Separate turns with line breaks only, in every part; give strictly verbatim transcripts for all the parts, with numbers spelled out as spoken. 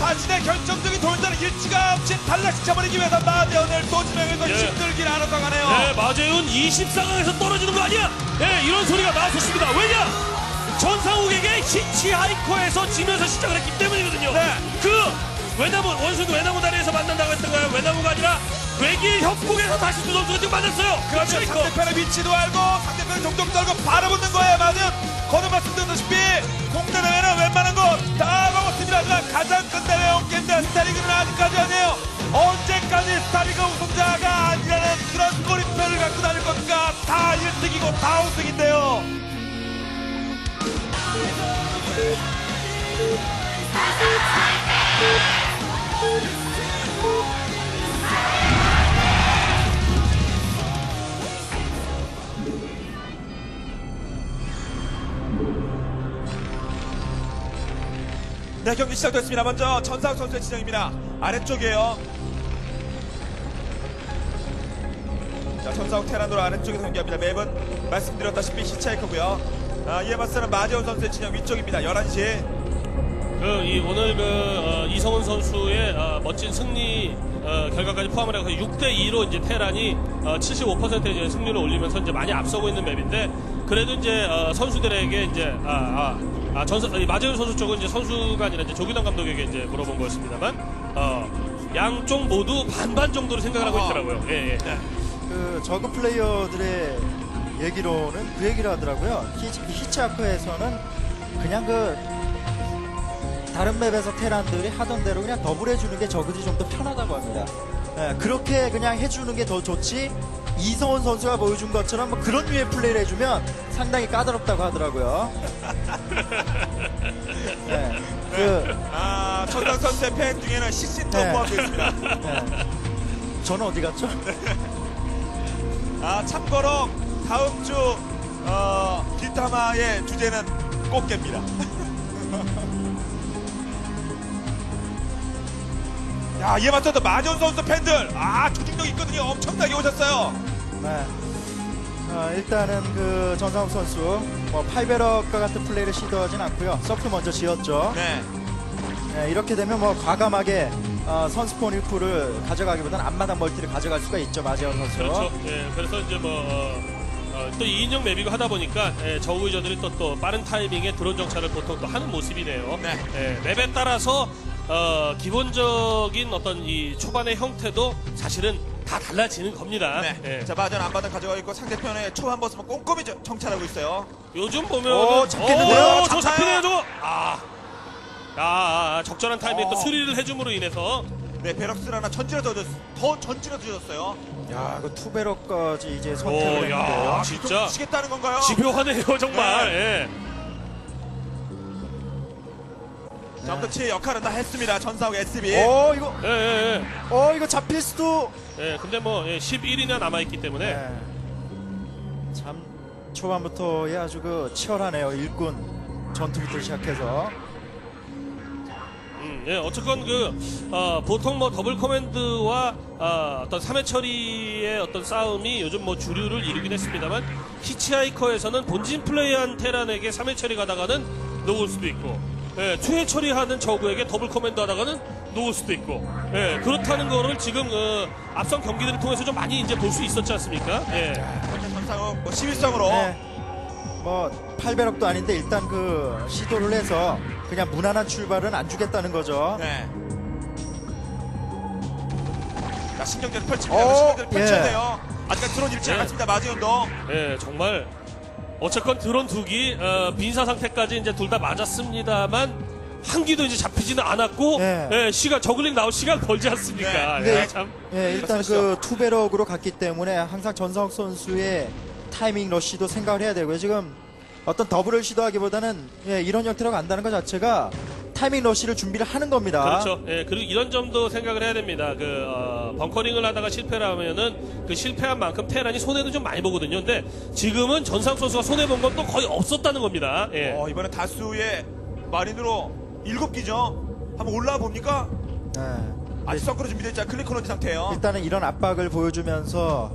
자신의 결정적인 돌전을 일찌감치 탈락시켜버리기 위해서 마재훈을 또 지명해서
예.
힘들긴 않았다 가네요.
네, 마재훈 이십 상황에서 떨어지는 거 아니야? 네, 이런 소리가 나왔었습니다. 왜냐? 전상욱에게 히치하이커에서 지면서 시작을 했기 때문이거든요.
네.
그 외나무 원수도 외나무 다리에서 만난다고 했던가요? 외나무가 아니라 외길 협곡에서 다시 두 선수가 지금 만났어요.
그렇죠.
히치하이커.
상대편의 위치도 알고 상대편의 종족도 알고 바라보는 거예요. 마재훈. 거듭 말씀드렸다시피 공대대회는 웬만한 거 다 먹었습니다. 하지만 가장 큰 대회 온게임대 스타리그는 아직까지 아니에요. 언제까지 스타리그 우승자가 아니라는 그런 꼬리표를 갖고 다닐 겁니까? 다 일 등이고 다 우승인데요. 네, 경기 시작됐습니다. 먼저 전상욱 선수의 지정입니다. 아래쪽이에요. 자, 전상욱 테란도로 아래쪽에서 경기합니다. 맵은 말씀드렸다시피 히치하이커고요. 아, 이에 맞서는 마재훈 선수의 진영 위쪽입니다. 열한 시.
그, 이, 오늘 그, 어, 이성훈 선수의 어, 멋진 승리 어, 결과까지 포함을 해서 육 대 이로 이제 테란이 어, 칠십오 퍼센트의 이제 승률을 올리면서 이제 많이 앞서고 있는 맵인데, 그래도 이제 어, 선수들에게 이제 아, 아, 아 전선 마재훈 선수 쪽은 이제 선수가 아니라 이제 조규당 감독에게 이제 물어본 거였습니다만, 어, 양쪽 모두 반반 정도로 생각을 하고 있더라고요. 예, 예.
네.
그 저그 플레이어들의 얘기로는 그 얘기를 하더라고요. 히치, 히치하커에서는 그냥 그 다른 맵에서 테란들이 하던 대로 그냥 더블 해주는 게 저그들이 좀 더 편하다고 합니다. 예, 그렇게 그냥 해주는 게 더 좋지, 이성훈 선수가 보여준 것처럼 뭐 그런 류의 플레이를 해주면 상당히 까다롭다고 하더라고요. 예, 그,
아, 전상욱 선수의 팬 중에는 식신도
네.
포함되어 있습니다.
예. 저는 어디 갔죠?
아, 참고로 다음 주 어, 뒷담화의 주제는 꽃게입니다. 야, 이에 맞춰서 마재훈 선수 팬들, 아, 조직력 있거든요. 엄청나게 오셨어요.
네. 어, 일단은 그 전상욱 선수 뭐 팔베럭과 같은 플레이를 시도하진 않고요. 서프 먼저 지었죠.
네.
네, 이렇게 되면 뭐 과감하게 어, 선스폰 일 푸를 가져가기보다는 앞마당 멀티를 가져갈 수가 있죠, 마재훈 선수.
그렇죠. 예, 그래서 이제 뭐, 어, 어, 또 이 인용 맵이고 하다 보니까, 예, 저우 유저들이 또, 또 빠른 타이밍에 드론 정찰을 보통 또 하는 모습이네요.
네.
예, 맵에 따라서, 어, 기본적인 어떤 이 초반의 형태도 사실은 다 달라지는 겁니다.
네.
예.
자, 마재훈 앞마당 가져가고 있고 상대편의 초반 버스만 꼼꼼히 저- 정찰하고 있어요.
요즘 보면.
오, 잡겠는데요?
저
잡아요.
잡히네요, 저거! 아. 아, 아, 적절한 타이밍에
어.
또 수리를 해줌으로 인해서.
네, 베럭스를 하나 전진해서 더, 더 전진해서 주셨어요.
야, 그 투베럭까지 이제
오,
선택을
야,
했는데요.
진짜.
치겠다는 건가요?
집요하네요, 정말. 예.
자, 아무튼 제 역할은 다 했습니다. 전상욱 에스비.
어, 이거,
예, 예,
어, 이거 잡힐 수도.
예. 예, 근데 뭐, 예, 십일 일이나 남아있기 때문에.
네. 참 초반부터 예, 아주 그 치열하네요. 일꾼 전투부터 시작해서.
음, 예, 어쨌건 그, 어, 보통 뭐 더블 커맨드와, 어, 어떤 삼 회 처리의 어떤 싸움이 요즘 뭐 주류를 이루긴 했습니다만, 히치하이커에서는 본진 플레이한 테란에게 삼 회 처리 가다가는 녹을 수도 있고, 예, 투 회 처리하는 저그에게 더블 커맨드 하다가는 녹을 수도 있고, 예, 그렇다는 거를 지금, 어, 앞선 경기들을 통해서 좀 많이 이제 볼 수 있었지 않습니까? 예.
전상욱 뭐 십일성으로.
네. 뭐 팔베럭도 아닌데 일단 그 시도를 해서 그냥 무난한 출발은 안 주겠다는 거죠.
네. 자, 신경전을 펼칩니다.
어,
신경전을 펼쳐야
예.
돼요. 아직까지 드론 잃지
네.
않았습니다. 마재훈도.
예, 정말 어쨌건 드론 두기 어, 빈사 상태까지 이제 둘 다 맞았습니다만 한 기도 이제 잡히지는 않았고,
네.
예, 시간 저글링 나올 시간 벌지 않습니까?
네.
예, 참.
예, 일단
말씀하시죠.
그 투베럭으로 갔기 때문에 항상 전상욱 선수의 타이밍 러쉬도 생각을 해야 되고요. 지금 어떤 더블을 시도하기보다는 예, 이런 형태로 간다는 것 자체가 타이밍 러쉬를 준비를 하는 겁니다.
그렇죠. 예, 그리고 이런 점도 생각을 해야 됩니다. 그 어, 벙커링을 하다가 실패를 하면은 그 실패한 만큼 테란이 손해도 좀 많이 보거든요. 근데 지금은 전상 선수가 손해 본 건 또 거의 없었다는 겁니다. 예.
어, 이번에 다수의 마린으로 일곱 기죠. 한번 올라와 봅니까?
네.
아직 서크로 준비되어 있지 않은 클리코너지 상태예요.
일단은 이런 압박을 보여주면서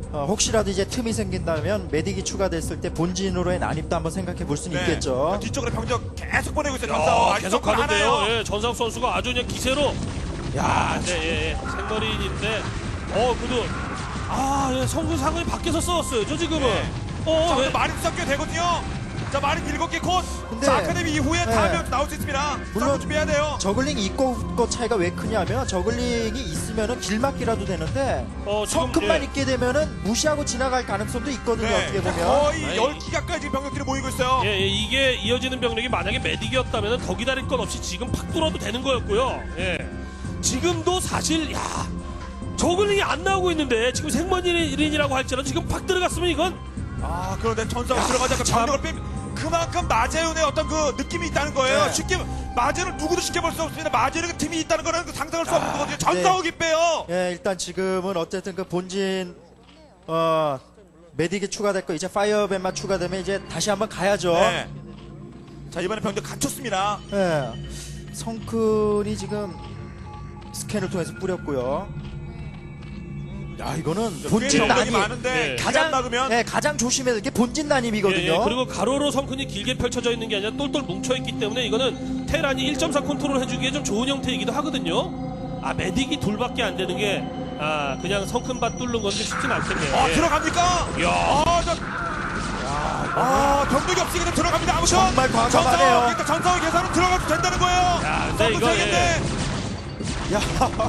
어, 혹시라도 이제 틈이 생긴다면 메딕이 추가됐을 때 본진으로의 난입도 한번 생각해 볼 수는 있겠죠.
뒤쪽으로 병력 계속 보내고 있어요.
야,
전사원. 아직
계속
성공
가는데요.
하나요.
예, 전상욱 선수가 아주 그냥 기세로. 야, 네, 예, 예. 생머리인인데, 어, 그래도 아, 예, 성군 상근이 밖에서 싸웠어요. 저 지금은.
네.
어,
자,
왜?
오늘 마린 섞여 되거든요. 자, 마린 일곱 개 곧.
근데-
자, 아카데미 이후에
네.
다음에 나올 수 있습니다.
물론
물론 준비해야 돼요.
저글링 있고 없고 차이가 왜 크냐면 저글링이 있으면은 길 막기라도 되는데
어, 지금,
성큼만
예.
있게 되면은 무시하고 지나갈 가능성도 있거든요. 어떻게
자,
보면.
거의
아니,
열 기 가까이 지금 병력들이 모이고 있어요.
예, 예, 이게 이어지는 병력이 만약에 메딕이었다면 더 기다릴 것 없이 지금 팍 뚫어도 되는 거였고요. 예. 지금도 사실, 야, 저글링이 안 나오고 있는데 지금 생머리인이라고 할지라도 지금 팍 들어갔으면 이건
아, 그런데 전사가
야,
들어가자마자
참.
병력을 빼 그만큼 마재윤의 어떤 그 느낌이 있다는 거예요.
네.
쉽게 마재는 누구도 쉽게 볼 수 없습니다. 마재윤의 그 팀이 있다는 거는 그 상상할 수 없는 거거든요.
네.
전사옥이 빼요.
예, 일단 지금은 어쨌든 그 본진 어 메딕이 추가됐고 이제 파이어밴만 추가되면 이제 다시 한번 가야죠.
네. 자, 이번에 병력 갖췄습니다.
예. 성큰이 지금 스캔을 통해서 뿌렸고요. 야, 이거는 본진
꽤 병력이
난입.
많은데
네.
기간
가장
막으면
예, 가장 조심해야 될 게 본진 난입이거든요.
예, 예. 그리고 가로로 성큰이 길게 펼쳐져 있는 게 아니라 똘똘 뭉쳐있기 때문에 이거는 테란이 일 점 사 컨트롤 해주기에 좀 좋은 형태이기도 하거든요. 아, 메딕이 둘밖에 안 되는 게, 아, 그냥 성큰밭 뚫는 건데 쉽진 않겠네요.
아,
예.
들어갑니까?
야.
아, 저 아, 병력이 없으니까 좀 들어갑니다. 아무튼
정말 과감하네요.
전사옥, 일단 전사옥 계산은 들어가도 된다는 거예요.
야, 근데
성큰
이거,
세 개인데.
야,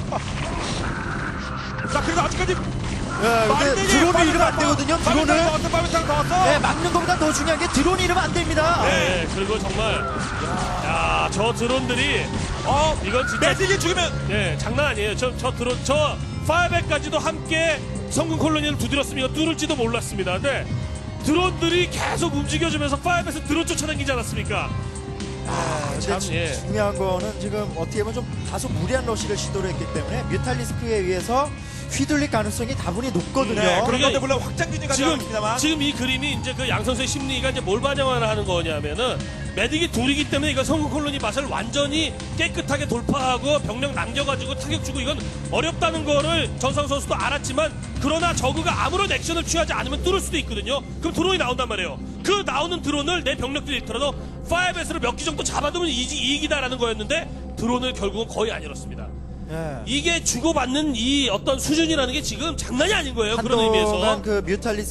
자, 그래도 아직까지
예, 근데 드론을 잃으면 안 되거든요. 드론을.
빠르창 더 왔어.
예, 막는 것보다 더 중요한 게 드론 잃으면 안 됩니다.
네, 그리고 정말, 야, 저 드론들이,
어,
이건 진짜,
매직이 죽으면
네, 장난 아니에요. 저, 저 드론, 저, 파이백까지도 함께 성군 콜로니를 두드렸으면 이거 뚫을지도 몰랐습니다. 근데, 드론들이 계속 움직여주면서 파이백에서 드론 쫓아다니지 않았습니까?
아, 근데
참,
지-
예.
중요한 거는 지금 어떻게 보면 좀 다소 무리한 러시를 시도를 했기 때문에 뮤탈리스크에 의해서 휘둘릴 가능성이 다분히 높거든요.
네, 그런
그러니까
건데 물론 확장균이
지금,
가져갑니다만.
지금 이 그림이 이제 그 양 선수의 심리가 이제 뭘 반영을 하는 거냐면은, 메딕이 둘이기 때문에 이거 성군 콜로니 맛을 완전히 깨끗하게 돌파하고 병력 남겨가지고 타격 주고 이건 어렵다는 거를 전상 선수도 알았지만, 그러나 저그가 아무런 액션을 취하지 않으면 뚫을 수도 있거든요. 그럼 드론이 나온단 말이에요. 그 나오는 드론을 내 병력들이 있더라도 파이브에스를 몇 기 정도 잡아두면 이지, 이익이다라는 거였는데, 드론을 결국은 거의 안 잃었습니다.
예.
이게 주고받는 이 어떤 수준이라는 게 지금 장난이 아닌 거예요. 그런 의미에서.
한동안 그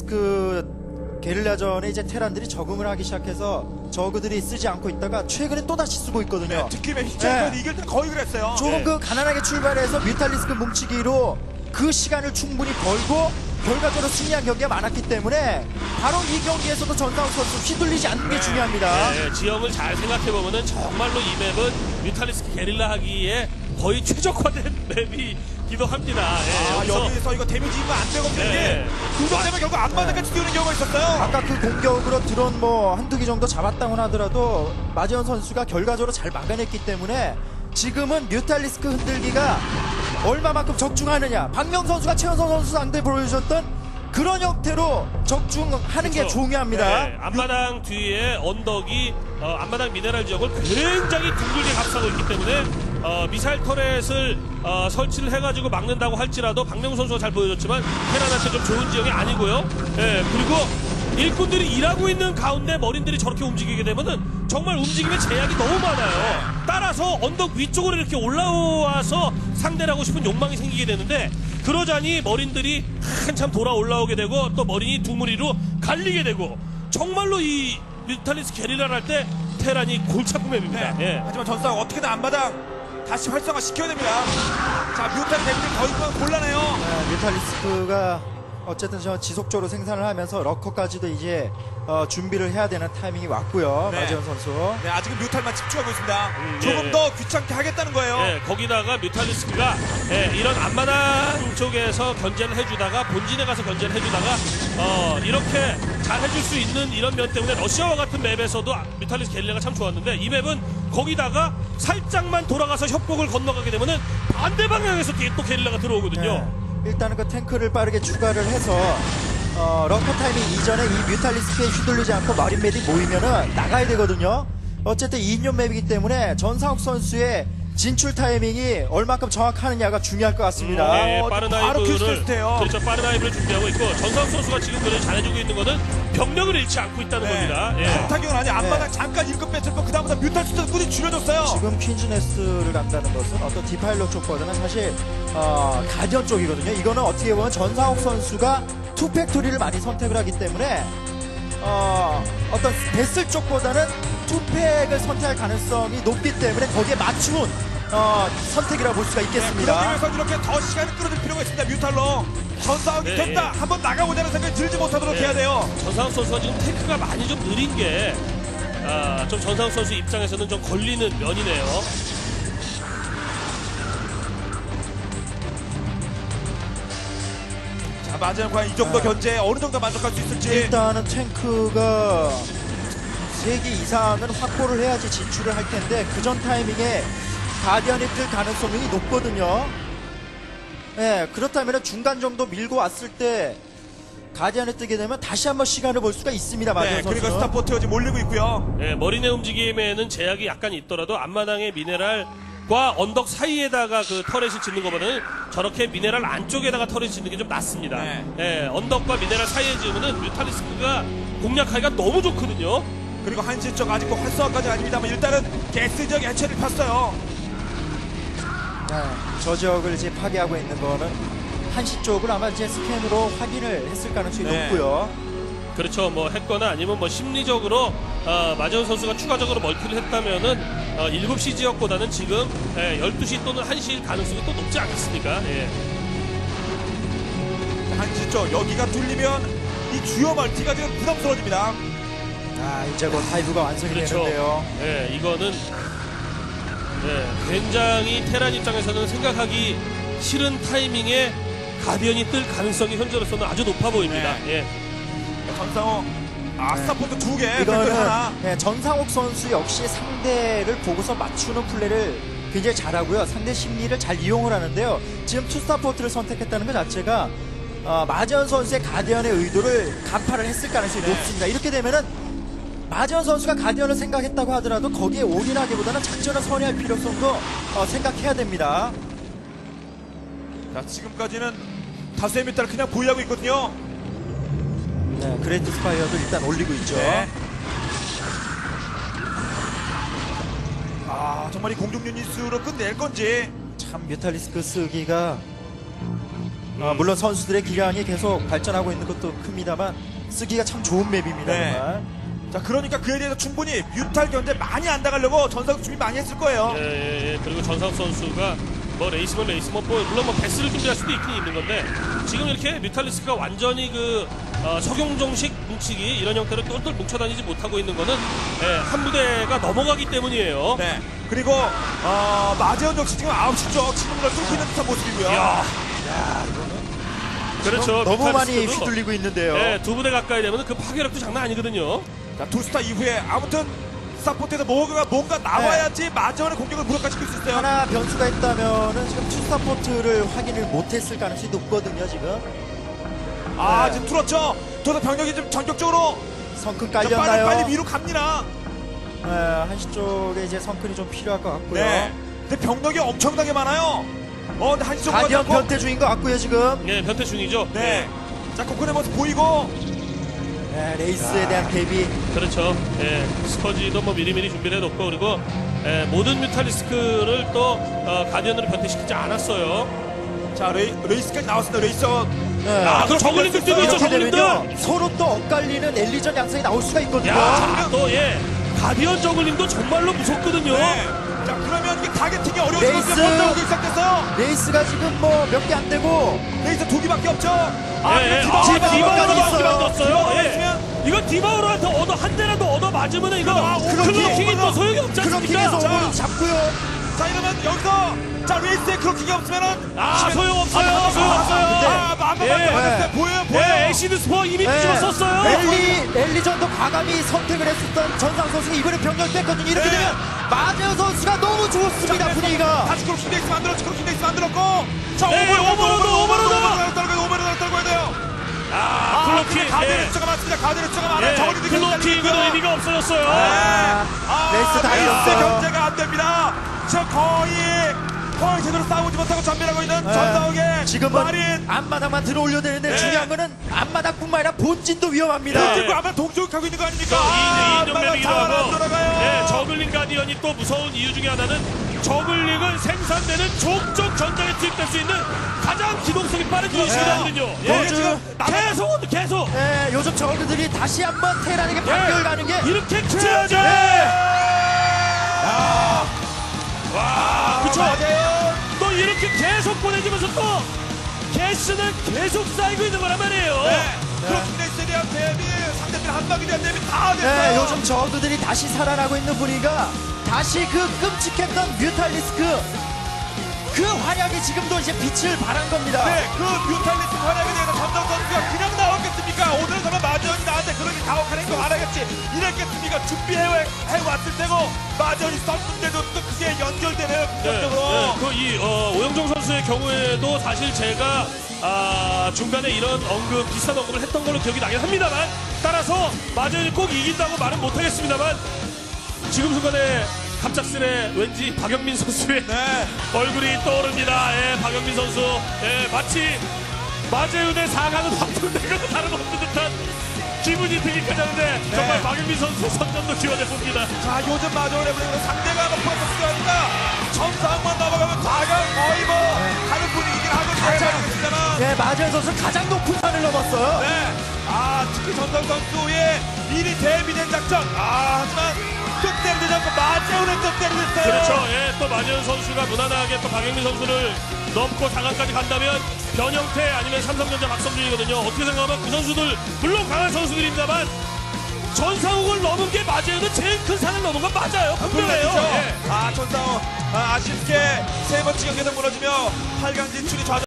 뮤탈리스크 게릴라전에 이제 테란들이 적응을 하기 시작해서 저그들이 쓰지 않고 있다가 최근에 또 다시 쓰고 있거든요.
네, 특히 히치하이커
네.
이길 때 거의 그랬어요.
조금
네.
그 가난하게 출발해서 뮤탈리스크 뭉치기로 그 시간을 충분히 벌고 결과적으로 승리한 경기가 많았기 때문에 바로 이 경기에서도 전상욱 선수 휘둘리지 않는 게 중요합니다.
네, 지형을 잘 생각해보면은 정말로 이 맵은 뮤탈리스크 게릴라 하기에 거의 최적화된 맵이기도 합니다. 예,
아,
여기서
여기서 이거 데미지 입으면 안 되거든요.
네.
이게 구독 때문에 결국 앞마당까지 띄우는 경우가 있었어요.
아까 그 공격으로 드론 뭐 한두 개 정도 잡았다고 하더라도 마지원 선수가 결과적으로 잘 막아냈기 때문에 지금은 뮤탈리스크 흔들기가 얼마만큼 적중하느냐. 박명 선수가 최원성 선수 상대 보여주셨던 그런 형태로 적중하는 게
그렇죠.
중요합니다.
네, 앞마당 뒤에 언덕이 어, 앞마당 미네랄 지역을 굉장히 둥글게 감싸고 있기 때문에 어, 미사일 터렛을 어, 설치를 해가지고 막는다고 할지라도 박명수 선수가 잘 보여줬지만 테란한테 좀 좋은 지역이 아니고요. 예, 그리고 일꾼들이 일하고 있는 가운데 머린들이 저렇게 움직이게 되면은 정말 움직임에 제약이 너무 많아요. 따라서 언덕 위쪽으로 이렇게 올라와서 상대를 하고 싶은 욕망이 생기게 되는데 그러자니 머린들이 한참 돌아 올라오게 되고 또 머린이 두 무리로 갈리게 되고 정말로 이 뮤탈리스 게릴라를 할 때 테란이 골치 아픈 맵입니다.
네.
예.
하지만 전사가 어떻게든 앞마당 다시 활성화 시켜야 됩니다. 자, 뮤탄 데미지 더 있으면 곤란해요.
네, 뮤탈리스크가 어쨌든 저 지속적으로 생산을 하면서 러커까지도 이제 어, 준비를 해야 되는 타이밍이 왔고요.
네.
마지원 선수.
네, 아직은 뮤탄만 집중하고 있습니다.
음,
조금
예.
더 귀찮게 하겠다는 거예요.
예, 거기다가 뮤탈리스크가 예, 이런 앞마당 쪽에서 견제를 해주다가 본진에 가서 견제를 해주다가 어, 이렇게 잘 해줄 수 있는 이런 면 때문에 러시아와 같은 맵에서도 뮤탈리스크 게릴라가 참 좋았는데 이 맵은 거기다가 살짝만 돌아가서 협곡을 건너가게 되면은 반대 방향에서 뒤에 또 게릴라가 들어오거든요.
네. 일단은 그 탱크를 빠르게 추가를 해서 어, 러커 타이밍 이전에 이 뮤탈리스크에 휘둘리지 않고 마린 맵이 모이면은 나가야 되거든요. 어쨌든 이 인용 맵이기 때문에 전상욱 선수의 진출 타이밍이 얼마큼 정확하느냐가 중요할 것 같습니다.
네,
어,
빠른
바로 킬
아이브를
테스트예요.
그렇죠. 빠른 아이브를 준비하고 있고 전상 선수가 지금 그걸 잘해주고 있는 거는 병력을 잃지 않고 있다는 겁니다. 예.
타격은 아니 앞마당
네.
잠깐 일급 뺐을 거 그다음부터 뮤탈 숫자 꾸준히 줄여줬어요.
지금 퀸즈네스를 간다는 것은 어떤 디파일러 쪽보다는 사실 어, 가디언 쪽이거든요. 이거는 어떻게 보면 전상욱 선수가 투팩토리를 많이 선택을 하기 때문에 어, 어떤 베슬 쪽보다는 투팩을 선택할 가능성이 높기 때문에 거기에 맞춘 어, 선택이라고 볼 수가
네, 그러기
있겠습니다.
위해서 이렇게 더 시간을 끌어줄 필요가 있습니다. 뮤탈로 전사하기
네,
됐다.
예.
한번 나가보자는 생각이 들지 못하도록
네.
해야 돼요.
전상욱 선수가 지금 테크가 많이 좀 느린 게, 아, 좀 전상욱 선수 입장에서는 좀 걸리는 면이네요.
자, 마지막 과연 이 정도
아.
견제 어느 정도 만족할 수 있을지.
일단은 탱크가 세 개 이상은 확보를 해야지 진출을 할 텐데 그 전 타이밍에 가디언이 뜰 가능성이 높거든요. 예, 그렇다면 중간 정도 밀고 왔을 때 가디언이 뜨게 되면 다시 한번 시간을 볼 수가 있습니다. 마지막
네,
선수는.
그리고 스타포트가 지금 몰리고 있고요.
예, 머리내 움직임에는 제약이 약간 있더라도 앞마당의 미네랄과 언덕 사이에다가 그 터렛을 짓는 것보다는 저렇게 미네랄 안쪽에다가 터렛을 짓는 게 좀 낫습니다.
네.
예, 언덕과 미네랄 사이에 지으면은 뮤탈리스크가 공략하기가 너무 좋거든요.
그리고 한시 쪽 아직도 활성화까지 아닙니다만 일단은 가스 지역 해체를 폈어요.
네, 저 지역을 이제 파괴하고 있는 거는 한시 쪽을 아마 이제 스캔으로 확인을 했을 가능성이
네.
높고요.
그렇죠. 뭐 했거나 아니면 뭐 심리적으로 어, 마재훈 선수가 추가적으로 멀티를 했다면은 어, 일곱 시 지역보다는 지금 예, 열두 시 또는 한 시일 가능성이 또 높지 않겠습니까? 예.
한시 쪽 여기가 뚫리면 이 주요 멀티가 지금 부담스러워집니다.
아, 이제 곧 하이브가 완성이
그렇죠.
되는데요.
예, 이거는 예, 굉장히 테란 입장에서는 생각하기 싫은 타이밍에 가디언이 뜰 가능성이 현재로서는 아주 높아 보입니다. 예.
전상호 아
네.
스타포트 두 개, 팩토리
이거는
하나.
네, 전상욱 선수 역시 상대를 보고서 맞추는 플레이를 굉장히 잘하고요. 상대 심리를 잘 이용을 하는데요. 지금 투스타포트를 선택했다는 것 자체가 어, 마재현 선수의 가디언의 의도를 간파를 했을 가능성이
네.
높습니다. 이렇게 되면은 마재현 선수가 가디언을 생각했다고 하더라도 거기에 올인하기보다는 작전을 선회할 필요성도 어, 생각해야 됩니다.
자, 지금까지는 다수의 뮤탈을 그냥 보유하고 있거든요.
네, 그레이트 스파이어도 일단 올리고 있죠.
네. 아 정말 이 공중 유닛으로 끝낼 건지.
참 뮤탈리스크 쓰기가 어, 물론 선수들의 기량이 계속 발전하고 있는 것도 큽니다만 쓰기가 참 좋은 맵입니다.
네.
정말.
자 그러니까 그에 대해서 충분히 뮤탈 견제 많이 안 당하려고 전상 준비 많이 했을 거예요.
예, 예, 예. 그리고 전상 선수가 뭐 레이스면 레이스면 뭐 물론 뭐 배스를 준비할 수도 있긴 있는 건데 지금 이렇게 뮤탈리스크가 완전히 그 어, 석용종식 뭉치기 이런 형태로 똘똘 뭉쳐다니지 못하고 있는 거는 예, 한 부대가 넘어가기 때문이에요.
네. 그리고 어, 마재현 역시 지금 아홉 시 쪽 지금을 뚫고 있는 듯한 모습이고요.
이야. 그렇죠.
너무 많이
뮤탈리스크도,
휘둘리고 있는데요.
예, 두 부대 가까이 되면 그 파괴력도 장난 아니거든요.
자, 투스타 이후에 아무튼 스타포트에서 뭔가, 뭔가 나와야지 마재현의 공격을 무력화시킬 수 있어요.
하나 변수가 있다면은 지금 투스타포트를 확인을 못했을 가능성이 높거든요. 지금
아
네.
지금 뚫었죠. 저도 병력이 좀 전격적으로
성큰
자, 빨리
깔렸나요?
빨리 위로 갑니다.
네, 한시 쪽에 이제 성큰이 좀 필요할 것 같고요.
네. 근데 병력이 엄청나게 많아요. 어, 근데 한시 쪽으로
가디언
가고.
변태 중인 것 같고요. 지금
예, 변태 중이죠.
네. 자, 코코의 모습 보이고.
네, 레이스에 대한 대비.
그렇죠. 예, 스커지도 뭐 미리미리 준비를 해놓고 그리고 예, 모든 뮤탈리스크를 또 어, 가디언으로 변태시키지 않았어요.
자, 레이, 레이스까지 나왔습니다. 레이서.
네.
아, 그럼 저글링들 뛰고 있죠.
이렇게 되면요
저글링들.
서로 또 엇갈리는 엘리전 양상이 나올 수가 있거든요.
야, 또 예, 가디언 저글링도 정말로 무섭거든요.
네. 자, 그러면 이게 타겟팅이 어려워지고
레이스.
번쩍 오기 시작됐어요.
레이스가 지금 뭐 몇 개 안 되고
레이서 두 개밖에 없죠. 아,
예, 예.
디바,
아,
디바우로가
디바우로가
있어요.
만들었어요.
디바우로가
예.
있으면.
이거 디바우로한테 얻어 한 대라도 얻어 맞으면 이거
아,
클로킹이 또 소용이 없지
크로킹에서
않습니까?
오버를 잡고요.
자, 이러면 여기서 자, 레이스에 크로킹이 없으면은.
아, 소용없어요.
아,
소용없어요.
아, 맘마
예.
네. 보여요, 보여요.
예, 에이시드 스포 이미 뒤집어 썼어요.
엘리, 엘리전도 과감히 선택을 했었던 전상 선수가 이번에 병력 뺐거든요. 이렇게
네.
되면 마재현 선수가 너무 좋습니다. 분위기가.
다시 크로킹 레이스 만들었죠. 크로킹 레이스 만들었고. 자,
네,
오버로드,
오버로드, 오버로드.
오버로드 떨고요, 오버로드 떨고야 돼요.
아, 클로킹.
가드레
예.
숫자가 많습니다. 가드레 숫자가 많아요.
예,
저걸로
클로킹은 의미가 없어졌어요.
아,
레이스 다
레이스
잃었어요.
견제가 안 됩니다. 지금 거의 거의 제대로 싸우지 못하고 전멸하고 있는
네.
전상욱의
지금은
마린.
앞마당만 들어올려야 되는데
네.
중요한 거는 앞마당뿐만 아니라 본진도 위험합니다.
네.
지금 아마 동쪽하고 있는 거 아닙니까?
이
아,
인정
아빠가
맵이기도
자원 안
하고,
돌아가요.
네, 저글링 가디언이 또 무서운 이유 중에 하나는 저글링은 생산되는 족족 전장에 투입될 수 있는 가장 기동성이 빠른 유닛이거든요.
예,
요즘
지금
계속 계속
네, 요즘 저그들이 다시 한번 테란에게 반격을 가는 게
이렇게
네.
찌어져.
와,
그쵸?
맞아요.
또 이렇게 계속 보내주면서 또 개수는 계속 쌓이고 있는 거란 말이에요.
네. 크로킹레이스에 대한 대비, 상대편 한방에 대한 대비 다 됐어요.
네, 요즘 저그들이 다시 살아나고 있는 분위기가 다시 그 끔찍했던 뮤탈리스크 그 활약이 지금도 이제 빛을 발한 겁니다.
네, 그 뮤탈리스트 활약에 대해서 전정 선수가 그냥 나왔겠습니까? 오늘은 정말 마지원이 나한테 그렇게 가혹하는 거 알아야겠지. 이랬겠습니까? 준비해왔을 테고 마지원이 썼는데도 또 그게 연결되네요. 긍정적으로.
그 이 어, 오영종 선수의 경우에도 사실 제가 아, 중간에 이런 언급 비슷한 언급을 했던 걸로 기억이 나긴 합니다만 따라서 마저이 꼭 이긴다고 말은 못하겠습니다만 지금 순간에 갑작스레 왠지 박영민 선수의
네.
얼굴이 떠오릅니다. 예, 박영민 선수 예, 마치 마재윤의 사 강은 확정된 것도 다름없는 듯한 기분이 들기까지 하는데 정말
네.
박영민 선수의 선전도 기원해 봅니다.
자, 요즘 마지원에 보니까 상대가 뭐 프로토스가 아니라 점상만 넘어가면 사 강 거의 뭐 하는 분위기긴 하거든요.
네, 마지막 선수 가장 높은 산을 넘었어요.
네. 아, 특히 전성 선수의 미리 대비된 작전. 아, 하지만 끝내는 되지 않고 마재훈의 끝내는 됐어요.
그렇죠. 예, 또 마재현 선수가 무난하게 또 박영민 선수를 넘고 사 강까지 간다면 변형태 아니면 삼성전자 박성준이거든요. 어떻게 생각하면 그 선수들 물론 강한 선수들입니다만 전상욱을 넘은 게 마재현은 제일 큰 산을 넘은 건 맞아요. 분명해요.
그렇죠.
예.
아, 전상우 아, 아쉽게 세 번째 경기에서 무너지며 팔 강 진출이 좌절.